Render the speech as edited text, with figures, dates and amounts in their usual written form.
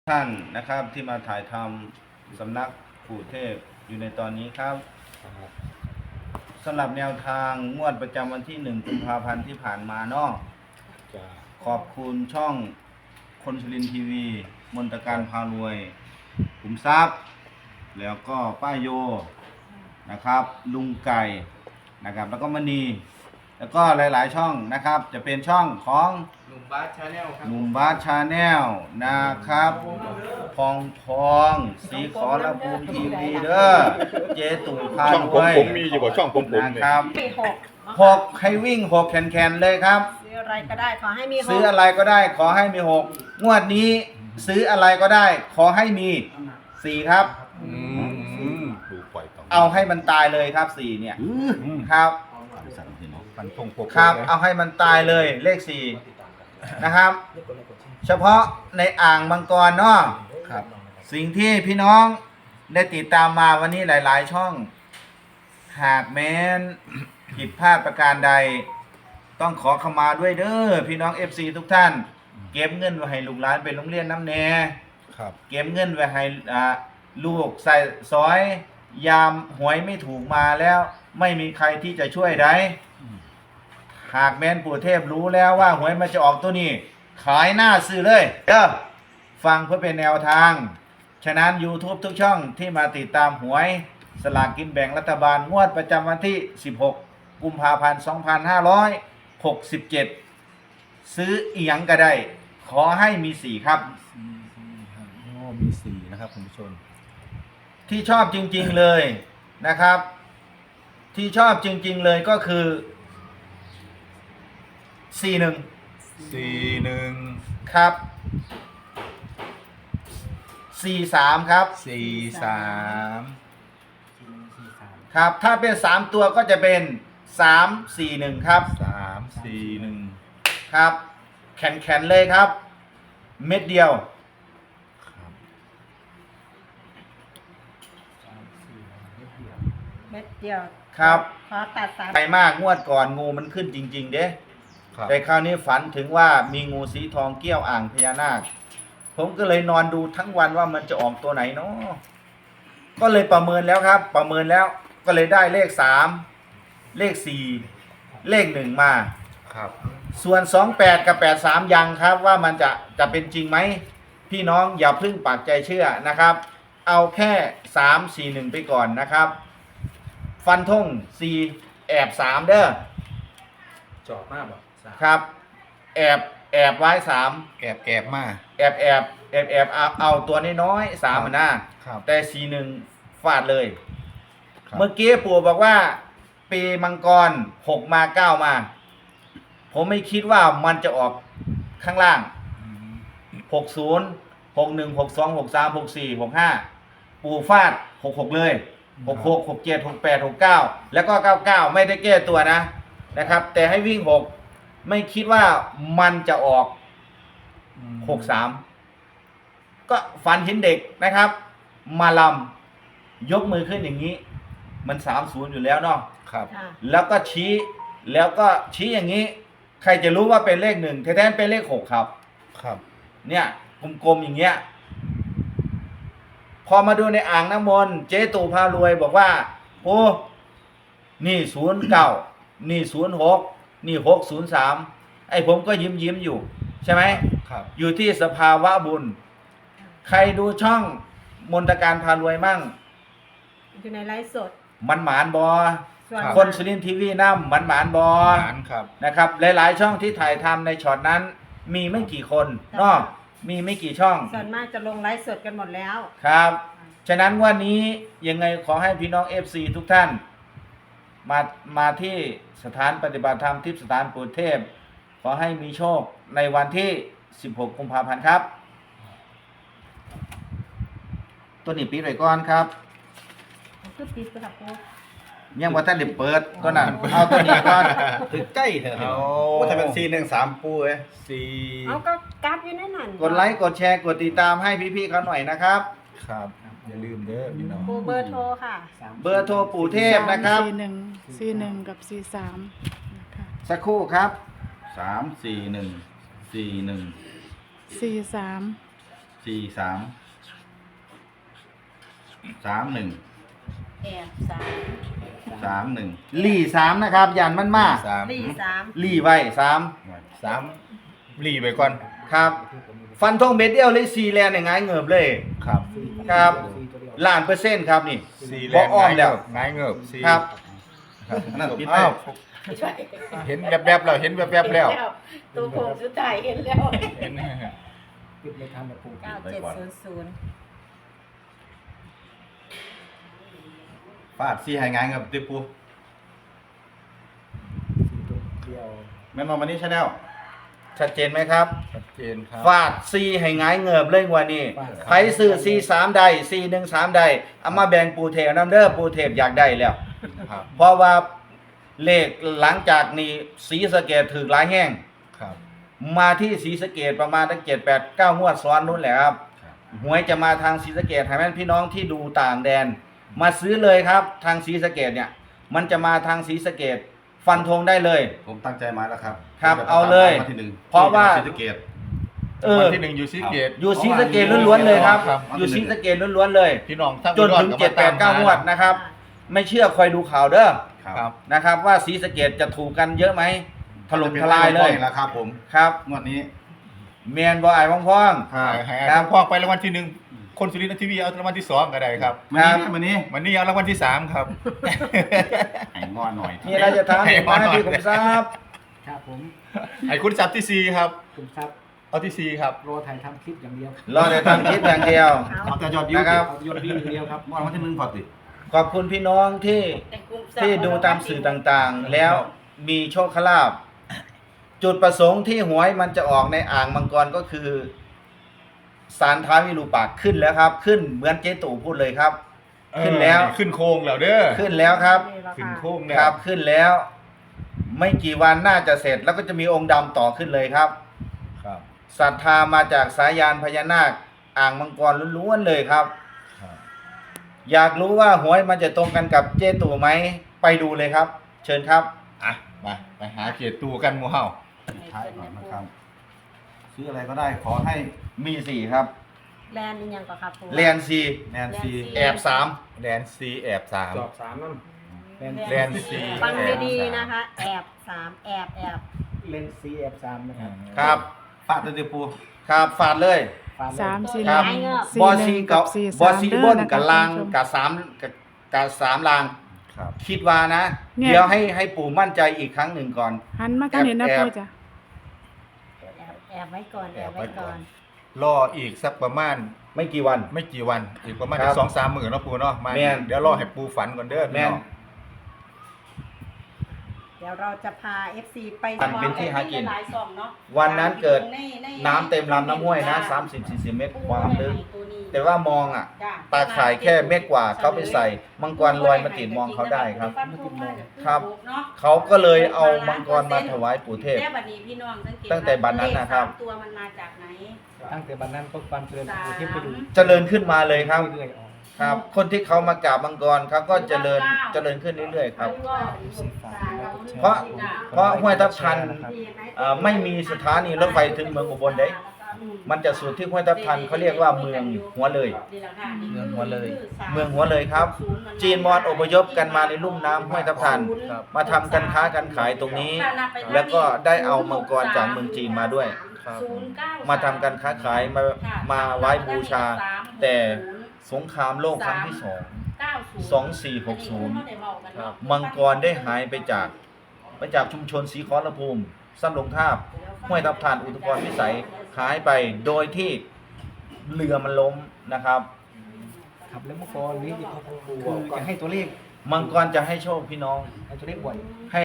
ท่านนะครับที่มาถ่ายทำสำนักปู่เทพอยู่ในตอนนี้ครับสำหรับแนวทางงวดประจำวันที่1 กุมภาพันธ์ที่ผ่านมาเนาะขอบคุณช่องคนสุรินทร์ทีวีมนตการพารวยขุมทรัพย์แล้วก็ป้าโยนะครับลุงไก่นะครับแล้วก็มณีแล้วก็หลายๆช่องนะครับจะเป็นช่องของหนุ่มบาสชาแนลครับหนุ่มบาสชาแนลนะครับพองสีขอระภูมิทีวีเด้อเจตู่พาช่องด้วยผมมีอยู่บ่ช่องผมนะครับมีหก 6ให้วิ่ง6แขนๆเลยครับซื้ออะไรก็ได้ขอให้มีหกซื้ออะไรก็ได้ขอให้มี6งวดนี้ซื้ออะไรก็ได้ขอให้มี4ครับดูปล่อยต่อเอาให้มันตายเลยครับ4เนี่ยครับฟันธงปกครับเอาให้มันตายเลยเลข4นะครับเฉพาะในอ่างมังกรเนาะครับสิ่งที่พี่น้องได้ติดตามมาวันนี้หลายๆช่อง หากแม้นผิดพลาดประการใด ต้องขอขมาด้วยเด้อพี่น้อง FC ทุกท่าน เก็บเงินไว้ให้ลูกหลานไปโรงเรียนน้ำแน่ครับเก็บเงินไว้ให้ลูกใส่ซอยยามหวยไม่ถูกมาแล้ว ไม่มีใครที่จะช่วยได้หากแม้นปู่เทพรู้แล้วว่าหวยมันจะออกตัวนี้ ขายหน้าซื้อเลยเด้อฟังเพื่อเป็นแนวทาง ฉะนั้น YouTube ทุกช่องที่มาติดตามหวยสลากกินแบ่งรัฐบาลงวดประจำวันที่16 กุมภาพันธ์ 2567 ซื้อเอียงก็ได้ ขอให้มี4ครับโอ้มี4นะครับคุณผู้ชมที่ชอบจริงๆเลยนะครับ ที่ชอบจริงๆเลยก็คือ 41 41 ครับ 43 ครับ 43 ครับ ถ้าเป็น3ตัวก็จะเป็น341ครับ 341 ครับแข็งๆเลยครับ เม็ดเดียวครับเม็ดเดียวครับขอตัดสามใจมากงวดก่อนงูมันขึ้นจริงๆเด้ครับแต่คราวนี้ฝันถึงว่ามีงูสีทองเกี้ยวอ่างพญานาค ผมก็เลยนอนดูทั้งวันว่ามันจะออกตัวไหนเนาะก็เลยประเมินแล้วครับ ประเมินแล้วก็เลยได้เลข3เลข4เลข1มาครับส่วน28กับ83ยังครับว่ามันจะเป็นจริงไหมพี่น้องอย่าเพึ่งปากใจเชื่อนะครับ เอาแค่3 4 1ไปก่อนนะครับ ฟันธง4แอบ3เด้อจอบมากบ่ครับแอบไว้3 แอบมาแอบเอาตัวน้อยๆ3หน้าครับแต่41ฟาดเลยครับเมื่อกี้ปู่บอกว่า ปีมังกร6มา9มา ผมไม่คิดว่ามันจะออกข้างล่าง 60 61 62 63 64 65 ปู่ฟาด66เลย66 67 68 69แล้วก็99ไม่ได้แก้ตัวนะครับ แต่ให้วิ่ง6ไม่คิดว่ามันจะออก63ก็ฝันเห็นเด็กนะครับ มาลำยกมือขึ้นอย่างนี้ มัน30อยู่แล้วเนาะครับค่ะแล้วก็ชี้อย่างนี้ ใครจะรู้ว่าเป็นเลข1แท้ๆเป็นเลข6ครับครับ เนี่ยกลมๆอย่างเงี้ย พอมาดูในอ่างน้ำมนต์เจ๊ตู่พารวยบอกว่าโอ้นี่09นี่06นี่603ไอ้ผมก็ยิ้มอยู่ ใช่ไหมครับอยู่ที่สภาวะบุญ ใครดูช่องมนตการพารวยมั่งอยู่ในไลฟ์สดมันหมานบอส่วนคนสุรินทร์ทีวีน้ำมันหมานบอหารครับนะครับ หลายๆช่องที่ถ่ายทำในช็อตนั้น มีไม่กี่คนเนาะมีไม่กี่ช่องส่วนมากจะลงไลฟ์สดกันหมดแล้วครับ ฉะนั้นวันนี้ยังไงขอให้พี่น้อง FC ทุกท่าน มาที่สถานปฏิบัติธรรมทิพย์สถานปู่เทพ ขอให้มีโชคในวันที่ 16 กุมภาพันธ์ครับ ตัวนี้ปิดไว้ก่อนครับคือปิดไปครับปูยังว่าท่านได้เปิดตัวนั้นเอาตัวนี้ก่อนถึงใกล้เถอะเอาโอ้ถ้าเป็น413ปูเอ้ยเอาก็กราฟอยู่ในนั้นกดไลค์กดแชร์กดติดตามให้พี่ๆเขาหน่อยนะครับครับ อย่าลืมเด้อพี่น้องปูเบอร์โทรค่ะเบอร์โทรปู่เทพนะครับ 41กับ43นะคะสักครู่ครับ 341 41 43 แอบสาม 31ลี่3นะครับยันมันมาลี่สามลี่ไว้3 3รีไปก่อนครับ ฟันธงเม็ดเดียวเลย4แลนอย่างง่ายเงิบเลยครับครับล้านเปอร์เซ็นต์ครับนี่ 4 บ่อ้อมแล้วง่ายเงิบสี่ครับครับอันนั้นปิดไว้อ้าวใช่เห็นแวบๆแล้วเห็นแวบๆแล้วตัวผมสุดท้ายเห็นแล้วเห็น 9700 ฟาด4ให้ง่ายเงิบติปูแม่นบ่วันนี้ชาแนลชัดเจนไหมครับชัดเจนครับฟาด4ให้ง่ายเงิบเลยกว่านี้ใครซื้อ43ใด413ใดเอามาแบ่งปูเทพนำเด้อปูเทพอยากได้แล้วครับเพราะว่าเลขหลังจากนี้ศรีสะเกษถือหลายแห้งครับมาที่ศรีสะเกษประมาณตั้ง7 8 9งวดซ้อนนู้นแหละครับหวยจะมาทางศรีสะเกษให้แม่นพี่น้องที่ดูต่างแดน มาซื้อเลยครับทางศรีสะเกษเนี่ย มันจะมาทางศรีสะเกษฟันธงได้เลยผมตั้งใจมาแล้วครับครับผมจะเอาเลยวันที่หนึ่งเพราะว่าที่ศรีสะเกษวันที่1อยู่ซีเกตอยู่ศรีสะเกษล้วนๆเลยครับครับอยู่ศรีสะเกษล้วนๆเลยพี่น้องทั้งจนถึง7 8 9งวดนะครับ ไม่เชื่อคอยดูข่าวเด้อครับนะครับว่าศรีสะเกษจะถูกกันเยอะไหมถล่มทลายเลยแล้วครับผมครับงวดนี้เมียนบ่อายพ้องให้ครับพ่อไปรางวัลที่1คนสุรินทร์ทีวีเอารางวัลที่2ก็ได้ครับวันนี้วันนี้เอารางวัลที่3ครับให้งอหน่อยๆมีอะไรจะถามอีกไหมพี่ผมทราบครับผมไอ้คุณจับที่4ครับคุณครับเอาที่4ครับรอถ่ายทำคลิปอย่างเดียวรอในทำคลิปอย่างเดียวเอาแต่ยอดวิวนะครับเอายอดวิวอย่างเดียวครับงวดวันที่หนึ่งพอติขอบคุณพี่น้องที่แต่กลุ่มที่ดูตามสื่อต่างๆ แล้วมีโชคลาภจุดประสงค์ที่หวยมันจะออกในอ่างมังกรก็คือสารท้าวิรูปักษ์ขึ้นแล้วครับ ขึ้นเหมือนเจ๊ตู่พูดเลยครับ ขึ้นแล้วขึ้นโค้งแล้วเด้อขึ้นแล้วครับขึ้นโค้งแล้วครับขึ้นแล้ว ไม่กี่วันน่าจะเสร็จ แล้วก็จะมีองค์ดำต่อขึ้นเลยครับครับศรัทธามาจากสายยานพญานาคอ่างมังกรล้วนๆเลยครับครับอยากรู้ว่าหวยมันจะตรงกันกับเจ๊ตู่ไหมไปดูเลยครับ เชิญครับอ่ะไปหาเกียรติตูกันหมู่เฮาท้ายก่อนนะครับ ซื้ออะไรก็ได้ขอให้มีสี่ครับแลนด์นี่ยังก่อนครับปูแลนซีแนนซีแอบสามแดนซีแอบ3 จอบสามนั่นแดนซีฟังดีๆนะคะ แอบสามแอบเลนซีแอบสามนะครับครับฟาดเลยปูครับฝาดเลย 3 4 ครับ 1 บอซีกับ 4 บอซีบนกับลางท่านผู้ชมกับสามลางครับคิดว่านะเนี่ยเดี๋ยวให้ปู่มั่นใจอีกครั้งหนึ่งก่อนหันมากันเห็นนะแอบปูจ้ะแอบไว้ก่อนแอบไว้ก่อนรออีกสักประมาณไม่กี่วันไม่กี่วันอีกประมาณครับ 2-3 มื้อเนาะปูเนาะมาแม่นเดี๋ยวรอให้ปูฝันก่อนเด้อแม่นพี่น้องเดี๋ยวเราจะพา FC ไปมันเป็นที่หากินหลายซองเนาะวันนั้นเกิดในน้ำเต็มลำน้ำห้วยนะ30-40 เมตรความลึกตัวนี้แต่ว่ามองอ่ะจ้ะตาข่ายแค่เม็ดกว่าเขาไปใส่มังกรลอยมาติดมองเขาได้ครับ ครับ เขาก็เลยเอามังกรมาถวายปู่เทพแต่บัดนี้พี่น้องสังเกตตั้งแต่บัดนั้นนะครับเลขสามตัวมันมาจากไหนตั้งแต่บันนั้นก็ความเจริญปูเทพไปดูเจริญขึ้นมาเลยครับเรื่อยๆออกครับ คนที่เขามากราบมังกรเขาก็เจริญขึ้นเรื่อยๆครับ เพราะ เพราะห้วยทับทันไม่มีสถานีรถไฟถึงเมืองอุบลเด้ มันจะสุดที่ห้วยทับทันเขาเรียกว่าเมืองหัวเลยเมืองหัวเลยเมืองหัวเลยครับ จีนมอญอพยพกันมาในลุ่มน้ำห้วยทับทัน มาทำกันค้ากันขายตรงนี้ แล้วก็ได้เอามังกรจากเมืองจีนมาด้วย มาทำกันค้าขายมาไว้บูชา แต่สงครามโลกครั้งที่2460 มังกรได้หายไปจากชุมชนศรีขอรภูมิสั้นลงทาบห้วยทับทันอุทุพรพิสัยหายไปโดยที่เรือมันล้มนะครับครับแล้วเมื่อก่อนนี้ที่เขาปูจะให้ตัวเลขมังกรจะให้โชคพี่น้องให้ตัวเลขบ่อย